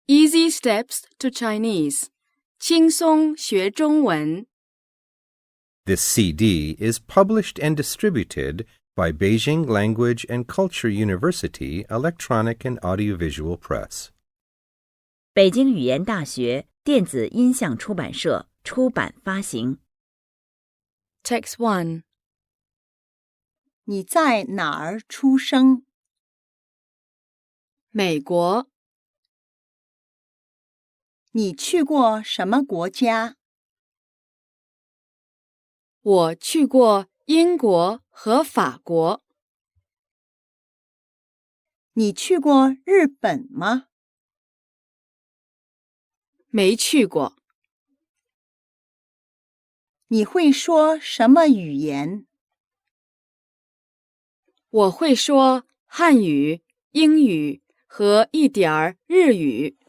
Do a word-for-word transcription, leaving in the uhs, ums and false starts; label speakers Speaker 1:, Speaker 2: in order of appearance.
Speaker 1: Easy Steps to Chinese. 轻松学中文。
Speaker 2: This C D is published and distributed by Beijing Language and Culture University Electronic and Audiovisual Press.
Speaker 3: 北京语言大学电子音像出版社出版发行。
Speaker 1: Text one.
Speaker 4: 你在哪儿出生？
Speaker 1: 美国。
Speaker 4: 你去过什么国家？
Speaker 1: 我去过英国和法国。
Speaker 4: 你去过日本吗？
Speaker 1: 没去过。
Speaker 4: 你会说什么语言？
Speaker 1: 我会说汉语、英语和一点儿日语。